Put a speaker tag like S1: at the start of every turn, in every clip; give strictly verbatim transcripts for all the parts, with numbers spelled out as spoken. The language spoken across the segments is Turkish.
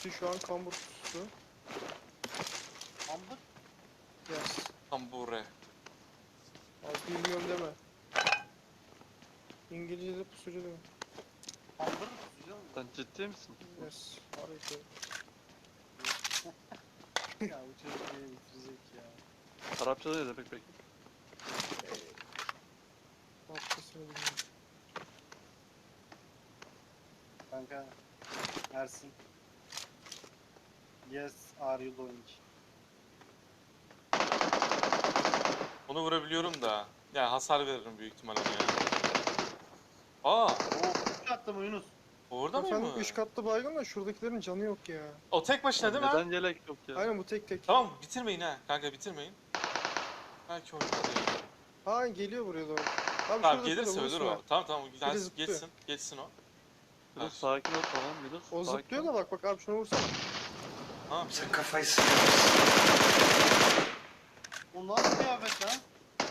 S1: Hepsi şu an kambur pususu.
S2: Kambur?
S1: Yes.
S3: Tambure.
S1: Abi bilmiyorum deme. İngilizce'de pusucu deme.
S2: Kambur mu tutuyor mu?
S4: Sen ciddi misin?
S1: Yes. Harika.
S2: Ya bu çocuk beni bitirecek ya.
S4: Arapçada ne demek peki?
S1: Haftasını bilmiyorum.
S2: Kanka. Ersin. Yes, are you doing?
S3: Onu vurabiliyorum da. Ya hasar veririm büyük ihtimalle ya. Aa,
S2: Oo, üç attım Yunus.
S3: orada mı?
S1: Efendim üç katlı baygın da şuradakilerin canı yok ya.
S3: O tek başına değil mi?
S4: Neden yelek yok ya?
S1: Aynen bu tek tek.
S3: Tamam bitirmeyin ha. Kanka bitirmeyin. Belki oynadı.
S1: Ha geliyor buraya doğru. Abi
S3: Tamam
S1: şurada,
S3: gelirse
S1: şurada,
S3: ölür
S1: vursun
S3: o. Tamam tamam
S1: Biri
S3: gelsin,
S1: zıplıyor.
S3: geçsin. Geçsin o.
S4: Yunus sakin ol tamam Yunus.
S1: O
S4: sakin
S1: zıplıyor
S4: ol.
S1: da bak bak abi şuna vursan.
S3: Tamam.
S5: Sen kafayı sıkıyorsun.
S2: O nasıl kıyafet lan?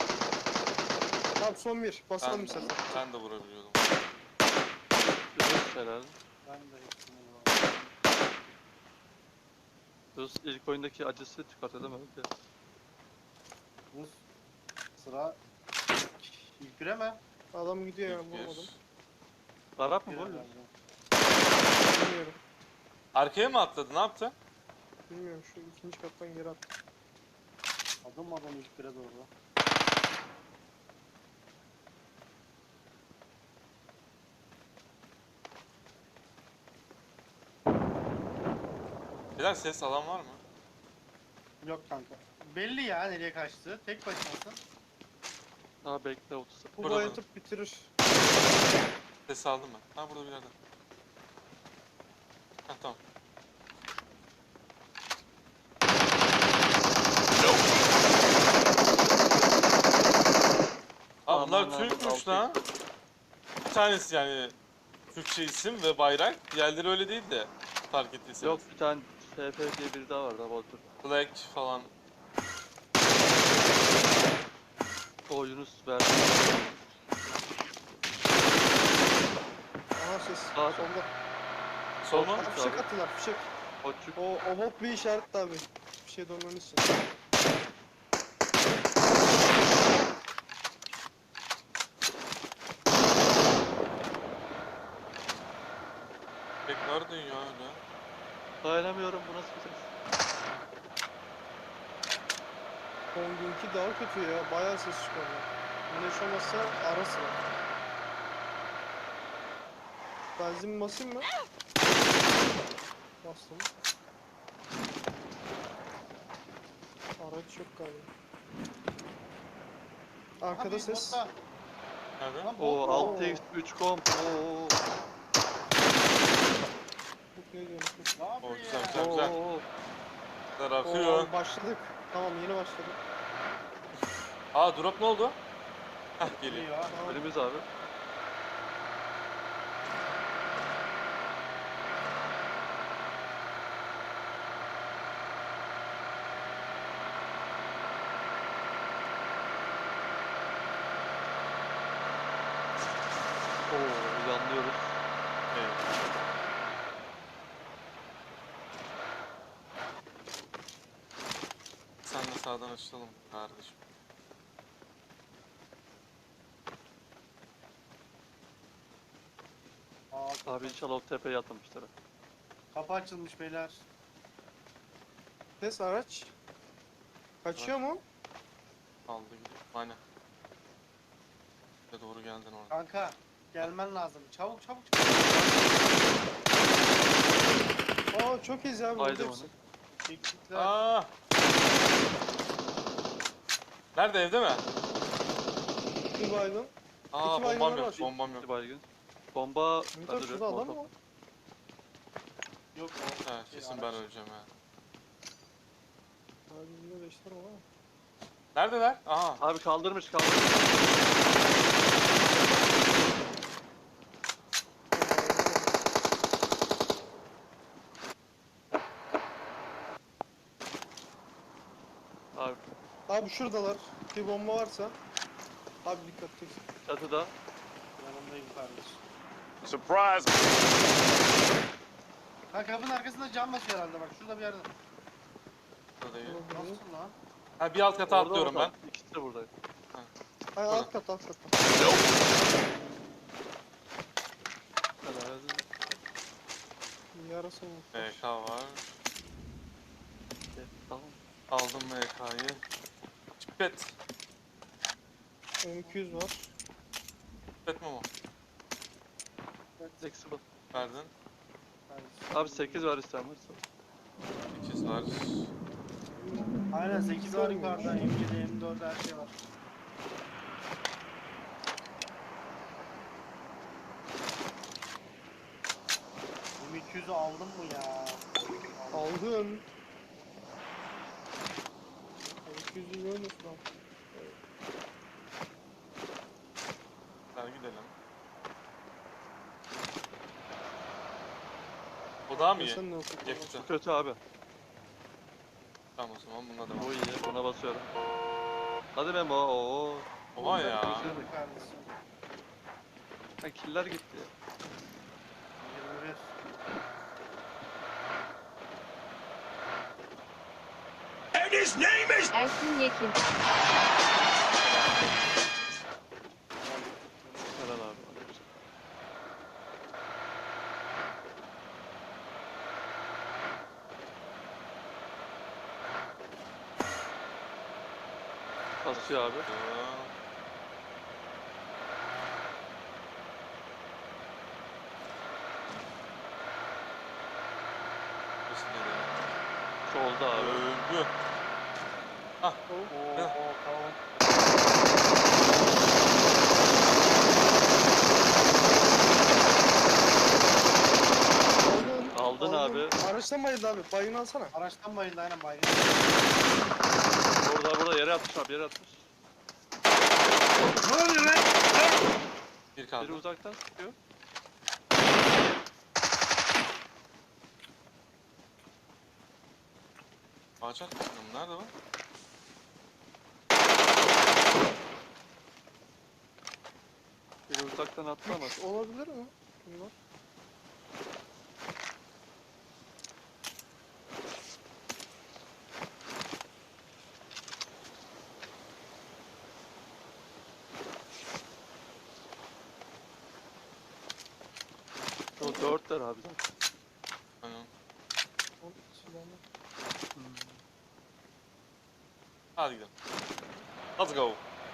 S1: Abi son bir. Basalım
S3: Ben,
S1: bir sefer.
S3: ben de vurabiliyordum.
S4: Yunus herhalde.
S2: Ben de hepsini vuramadım.
S4: Yunus ilk oyundaki acısı çıkartalım öyle.
S2: Yunus. Sıra ilk bire mi?
S1: Adam gidiyor ya
S3: İlk bir.
S1: vurmadım.
S4: Arap mı
S2: Bire
S4: bu?
S2: bence.
S1: Bilmiyorum.
S3: Arkaya mı atladı? Ne yaptı?
S1: Bilmiyorum şu ikinci kattan geri at.
S2: Adım adım ilk bire doğru.
S3: Bilal ses alan var mı?
S2: Yok kanka. Belli ya nereye kaçtı. Tek başınasın.
S4: Daha bekle otuz.
S1: Bu
S3: Burada
S1: bayatıp bitirir.
S3: Ses aldım ben. Ha burada bir yerde. Ha tamam. Aa bunlar
S4: Aman abi,
S3: Türkmüş
S4: altı
S3: lan. Bir tanesi yani Türkçe isim ve bayrak. Diğerleri öyle değil de fark ettiyseniz.
S4: Yok bir tane F F diye biri daha vardı ama otur.
S3: Black falan.
S4: O Yunus verdi.
S1: Aha ses.
S4: Sağ-
S1: Solda.
S3: Sol mu?
S1: Abi fişek attılar fişek.
S4: Koçuk.
S1: O, o bok bir işaret abi. Bir şey dönmemiz için.
S3: Pek nerede ya öyle?
S4: Dayanamıyorum bu nasıl bir ses?
S1: Son günkü daha kötü ya. Bayağı ses çıkarıyor. Güneş olmazsa ara sıra. Benzin basayım mı? Bastım. Araç yok galiba. Arkada
S2: Abi,
S1: ses.
S2: botta.
S3: Nerede?
S2: Lan
S4: O
S2: bot.
S4: altı x üç komp. Oo.
S1: Bu ne diyorsun?
S2: Ne yapıyor
S3: O güzel,
S2: ya?
S3: güzel. güzel.
S4: Oo.
S3: Bunlar akıyor.
S1: Oo, başladık. Tamam yeni başladık.
S3: Aa drop ne oldu? Hah geliyor.
S2: Geliyor.
S1: Tamam.
S4: Önümüz abi. Oo yanlıyoruz.
S3: Evet. Sen de sağdan açılalım kardeşim.
S2: Aa, kapı,
S4: Abi inşallah o tepeye atlamışlar.
S2: kapı açılmış beyler.
S1: Ses araç. Kaçıyor mu?
S3: Aldı gidiyor. Aynen. Ya doğru geldin orada.
S2: Kanka gelmen lazım. Çabuk çabuk.
S1: Aa çok iyiyiz abi.
S4: Haydi
S1: burada hepsi.
S2: Eksikler.
S3: Aa! Nerede evde mi?
S1: Bir baygın.
S3: Aa
S1: İki
S3: bombam
S1: baygınlar
S3: yok,
S1: var.
S3: bombam yok.
S4: Bir baygın. Bomba...
S1: Ümit
S4: Ben
S1: abi
S4: de
S1: şurada adam mı var?
S2: Yok o.
S3: Ha
S2: şey,
S3: kesin
S2: araç.
S3: ben öleceğim ha.
S1: Abi yine beşler var ama.
S3: Neredeler? Aha.
S4: Abi kaldırmış kaldırmış. Abi
S1: Abi şuradalar. Bir bomba varsa. Abi dikkat et.
S2: Yanımdayım
S4: çatıda.
S2: kardeşim.
S6: Surprise!
S2: Ha kapının arkasında cam basıyor herhalde bak şurada bir yerde.
S3: Burada değil.
S2: Nasıl lan?
S3: Ha, bir alt kata
S4: Orada,
S3: atlıyorum ben.
S4: orada. İkisi de burada.
S1: Ay alt kat alt kat.
S4: Helal.
S1: Yarası mı?
S3: M K var.
S4: Evet, tamam.
S3: Aldım M K'yı. Çipet.
S1: M iki yüz var.
S3: Çipet mi o?
S4: Flexible.
S3: Verdin.
S4: Abi sekiz var isteyen varsa.
S3: sekiz var.
S2: Aynen sekiz var yukarıda. M yedi, M dört her şey var. M iki yüzü aldım mı ya?
S1: Aldın. M iki yüzü görmüyorsun lan.
S3: Gel gidelim. O daha mı iyi?
S1: Sen ne okudun?
S3: Yakıtı.
S4: Kötü abi.
S3: Tamam o zaman bununla devam.
S4: Bu iyi. Buna basıyorum. Hadi Memo. Oo.
S3: Oha ya.
S2: Güzel kardeşim.
S4: Ha, killer gitti.
S2: yirmi bir.
S5: Ersin Yekin.
S4: Helal abi. Basıyor abi.
S3: Aa, burası nereye?
S4: Solda abi.
S3: Öldü.
S2: Oo,
S3: Ya.
S2: oo, tamam.
S1: Aldın.
S4: Aldın abi.
S1: Araçtan bayıldı abi. Bayını alsana.
S2: Araçtan bayıldı aynen bayıldı.
S4: Burada burada yere atmış abi yere atmış.
S3: Bir
S4: Biri
S3: kaldı.
S4: uzaktan sıkıyor.
S3: Ağaç atmışsın. Nerede bu?
S4: Biri uzaktan attı ama.
S1: Üç olabilir mi? Bunlar.
S4: O dörtler abi zaten.
S3: Aynen.
S1: O silahlı.
S3: Hadi gidelim. Let's go.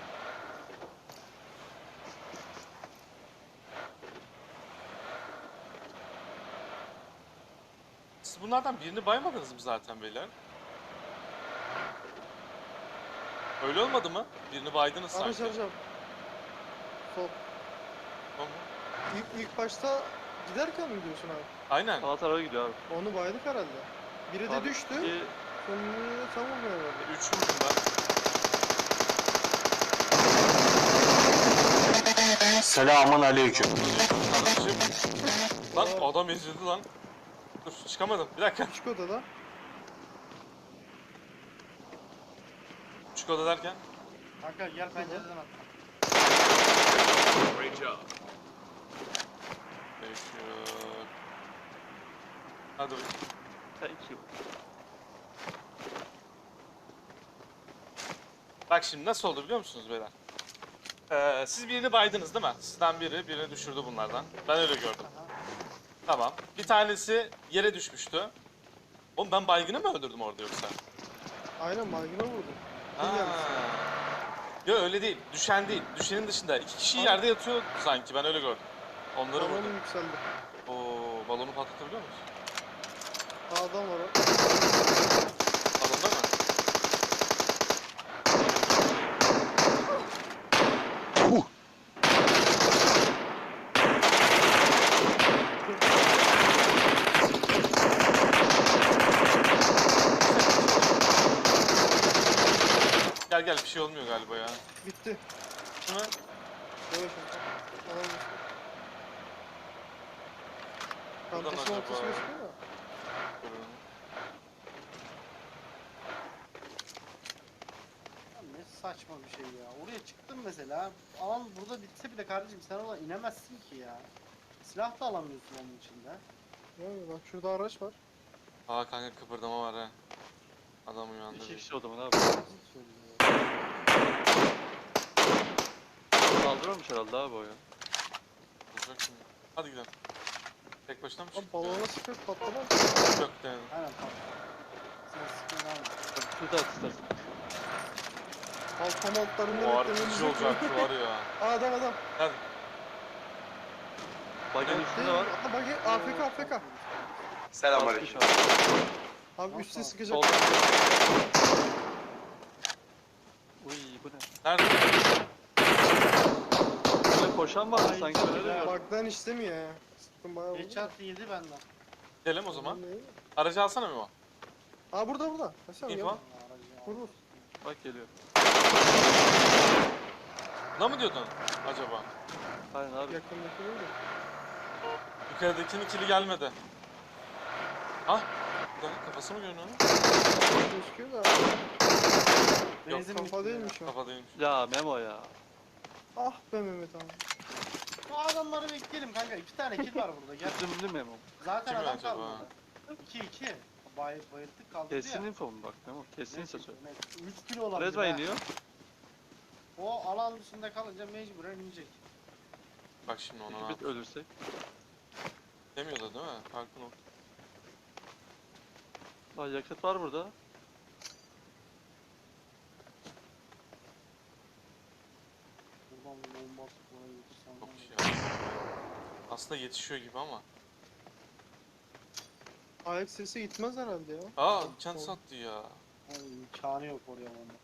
S3: Siz bunlardan birini baymadınız mı zaten beyler? Öyle olmadı mı? Birini baydınız
S1: Araç
S3: sanki.
S1: araç abi. Sol.
S3: Tamam.
S1: İlk, ilk başta giderken mi diyorsun abi?
S3: Aynen.
S4: Sağ tarafa gidiyor abi.
S1: Onu baydık herhalde. Biri de
S4: Abi,
S1: düştü.
S4: iki-
S1: Sonunda tamam herhalde.
S3: Üç vurdum ben.
S6: Selamun aleyküm.
S3: Kardeşim. Lan adam ezildi lan. Dur çıkamadım. Bir dakika.
S1: Küçük odada.
S3: Küçük oda derken.
S2: Kanka gel pencereden at.
S3: Peki. Hadi bakayım.
S4: Thank you.
S3: Bak şimdi nasıl oldu biliyor musunuz beyler? Ee, siz birini baydınız değil mi? Sizden biri birini düşürdü bunlardan. Ben öyle gördüm.
S2: Aha.
S3: Tamam. Bir tanesi yere düşmüştü. Oğlum ben baygını mı öldürdüm orada yoksa?
S1: Aynen baygına vurdum.
S3: Ha.
S1: Kim gelmiş?
S3: Yok öyle değil. Düşen değil. Düşenin dışında. iki kişi yerde yatıyor sanki. Ben öyle gördüm. Onları
S1: Balonum
S3: vurdum.
S1: yükseldi.
S3: Oo, balonu patlatabiliyor musun?
S1: Adam var o.
S3: Balonda mı? Gel gel bir şey olmuyor galiba ya.
S1: Bitti.
S3: Değil mi?
S1: Yavaş ol. Adam düştü.
S3: Buradan
S1: Çantasının
S3: acaba-
S1: ortası gözüküyor da.
S3: Durun.
S2: Ya ne saçma bir şey ya. Oraya çıktın mesela. Alan burada bitse bile kardeşim sen oradan inemezsin ki ya. Silah da alamıyorsun onun içinde.
S1: Yani bak şurada araç var.
S3: Aa kanka kıpırdama var ha. Adam uyandı.
S4: İki
S3: bir.
S4: kişi o zaman abi. Kaldırmamış herhalde abi o ya.
S3: Olacak şimdi. Hadi gidelim. Tek başına mı
S1: Abi
S3: çıktı?
S1: balona sıkıp patlamaz.
S3: Yok denedim.
S2: Aynen tamam. Sen sıkma devam et.
S4: Tabii tut at istersen.
S1: Alt altlarından
S3: O
S1: eklememiz
S3: artıcı
S1: yok.
S3: olacaktı var ya.
S1: Aa adam adam.
S3: Hadi.
S4: Bagen üstünde var.
S1: Aa bak A F K A F K.
S4: Selamünaleyküm.
S1: Abi
S2: Tamam,
S1: üstte
S2: tamam.
S1: sıkacak.
S4: Solda. Uy bu ne?
S3: Nerede?
S4: Böyle koşan var mı
S2: Ay,
S4: sanki öyle de
S2: ya.
S4: gördüm.
S1: Bug'dan istemiyor ya. Sıktım bayağı vurdu.
S2: Headshot yedi benden.
S3: Gidelim o zaman.
S1: Ne?
S3: Aracı alsana Memo.
S1: Aa burada burada. Mesela
S3: İyi
S1: gel.
S3: falan.
S1: Vur vur.
S4: Bak geliyor.
S3: Buna mı diyordun acaba?
S4: Aynen abi.
S1: Yakındaki değil de.
S3: Yukarıdakinin kili gelmedi. Ah! Bir dakika, kafası mı görünüyor onun?
S1: Gözüküyor da.
S3: Yok,
S2: Benzin
S1: Kafa
S2: bitti
S1: değilmiş o.
S3: Kafa değilmiş.
S4: Ya Memo ya.
S1: Ah be Mehmet abi.
S2: Bu adamları bekleyelim kanka. İki tane kill var burada. Gel.
S4: Üzümlü Memo.
S2: Zaten
S3: Kim
S2: adam
S3: acaba?
S2: kalmadı. iki iki. Bay, bayılttık kaldırdı
S4: Kesin
S2: ya.
S4: info mu bak Memo? Kesinse söyle.
S2: üç kilo olabilir.
S4: Rezva
S2: ha.
S4: iniyor.
S2: O alan dışında kalınca mecburen inecek.
S3: Bak şimdi ona ne
S4: İki bit
S3: yapıyor.
S4: ölürsek.
S3: Demiyordu değil mi? Farklı nokta.
S4: Aa yakıt var burada.
S2: Buradan bomba atıp oraya götürsem
S3: Çok
S2: var
S3: iş
S2: ya.
S3: ya. Aslında yetişiyor gibi ama.
S1: Ayak sesi gitmez herhalde ya.
S3: Aa kent sattı ya.
S2: Ay, imkanı yok oraya bomba.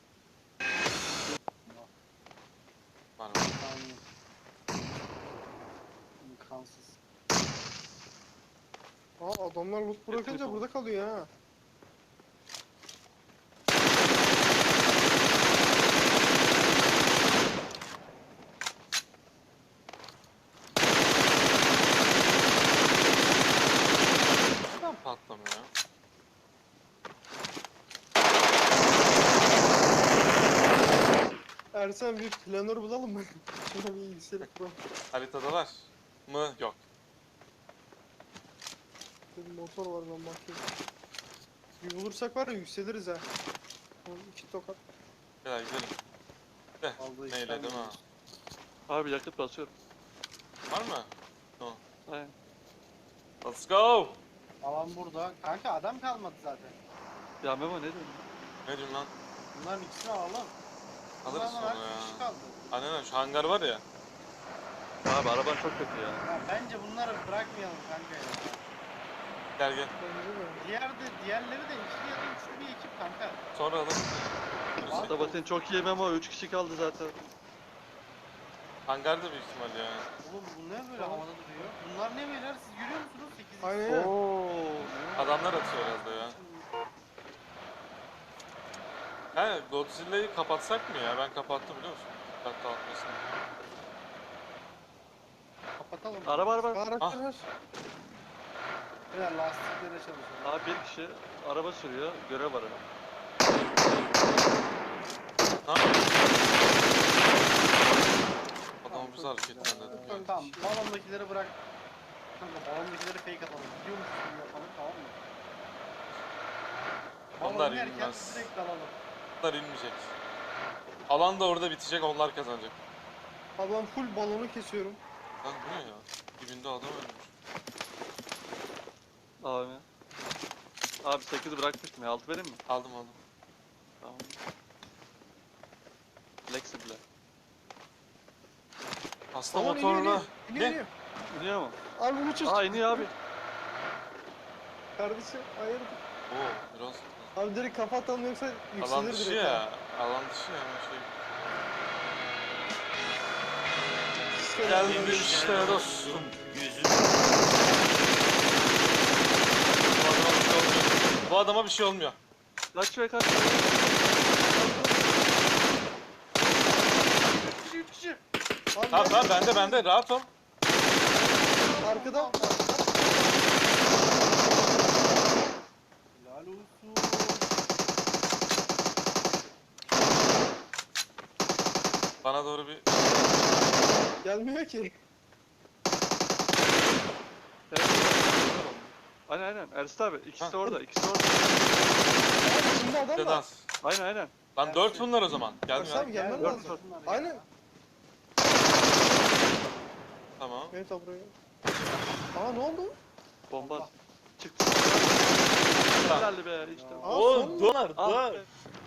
S3: Var var.
S2: İmkanı yok. İmkansız.
S1: Aa adamlar loot bırakınca
S4: Getirip
S1: burada kalıyor ha.
S3: Neden patlamıyor?
S1: Ersen bir planör bulalım mı? Şuna bir bilgisayarı kuralım.
S3: Haritada var mı? Yok.
S1: Bir motor var ben bakayım. Bir bulursak var ya yükseliriz ha. Oğlum İki tokat.
S3: Gel gidelim.
S2: Aldığı
S3: Neyle
S2: işten
S3: değil mi?
S2: biliyoruz.
S4: Abi yakıt basıyorum.
S3: Var mı?
S4: Aynen.
S3: Let's go!
S2: Alan burada. Kanka adam kalmadı zaten.
S4: Ya Memo ne diyorsun?
S3: Ne diyorsun lan?
S2: Bunların ikisini alalım.
S3: Alırız
S2: Bunlardan
S3: sonra
S2: artık bir
S3: ya.
S2: kişi kaldı.
S3: Aynen öyle, şu hangar var ya.
S4: Abi araban çok kötü ya.
S2: Ya bence bunları bırakmayalım kanka ya.
S3: Gel gel.
S1: Bence de.
S2: Diğer de diğerleri de ikili ya da üçlü bir ekip kanka.
S3: Sonra alırız.
S4: Sabatin çok iyi Memo. üç kişi kaldı zaten.
S3: Hangarda büyük ihtimal ya.
S2: Oğlum bu ne böyle havada duruyor? Bunlar ne beyler siz görüyor musunuz? sekiz
S1: Aynen öyle.
S4: Oo.
S3: Adamlar atıyor herhalde ya. He, Godzilla'yı kapatsak mı ya? Ben kapattım biliyor musun? Dikkat dağıtmasın.
S2: Kapatalım.
S4: Araba araba.
S1: Araçlar var.
S2: Beyler lastiklere çalışalım.
S4: Abi bir kişi araba sürüyor. Görev var. Abi.
S3: Ne yapıyorsun? Adamı bizi hareketlendirdi.
S2: Tamam, tamam balondakileri bırak. Kanka balondakileri fake atalım. Gidiyormuş gibi yapalım tamam mı?
S3: Onlar
S2: Balon yerken
S3: inmez.
S2: direkt dalalım.
S3: Onlar inmeyecek. Alan da orada bitecek, onlar kazanacak.
S1: Abi ben full balonu kesiyorum.
S3: Lan bu ne ya? Dibinde adam ölmüş.
S4: Abi. Abi sekiz bırakmıştım ya. altı vereyim mi?
S3: Aldım aldım.
S4: Tamam. Flexible.
S3: Hasta
S1: Aman iniyor,
S3: motorla.
S1: iniyor, iniyor,
S3: Ne?
S1: iniyor.
S4: İniyor mu?
S1: Abi bunu çöz.
S4: Aa iniyor abi.
S1: Kardeşim hayırdır?
S3: Oo biraz.
S1: Abi direkt kafa atalım yoksa yükselir
S3: Alan dışı
S1: direkt.
S3: ya. Alan dışı ya şey.
S1: ha.
S3: Geldi işte dostum. Bu adama bir şey olmuyor. Bu adama bir şey olmuyor.
S4: Kaç ve kaç.
S2: üç kişi üç kişi.
S1: Abi
S3: Tamam
S1: ben-
S3: tamam bende bende rahat ol.
S1: Arkada.
S2: Helal olsun.
S3: Bana doğru bir
S1: Gelmiyor ki.
S4: Evet. Aynen aynen. Ersin abi ikisi
S3: Ha.
S4: de orada. İkisi de orada.
S1: Abi içinde adam var.
S3: Sedat.
S4: Aynen aynen.
S3: Lan dört bunlar o zaman. Geldim
S1: Ersin abi
S3: ya.
S1: gelmen
S4: Dört,
S1: lazım.
S4: dört.
S1: Aynen.
S3: Tamam.
S1: Evet abi buraya. Aa ne oldu?
S4: Bomba. Çıktı. Herhalde be işte.
S1: Aa,
S3: Oo
S1: son mu?
S3: dolar
S4: Ah
S3: dolar.
S4: be.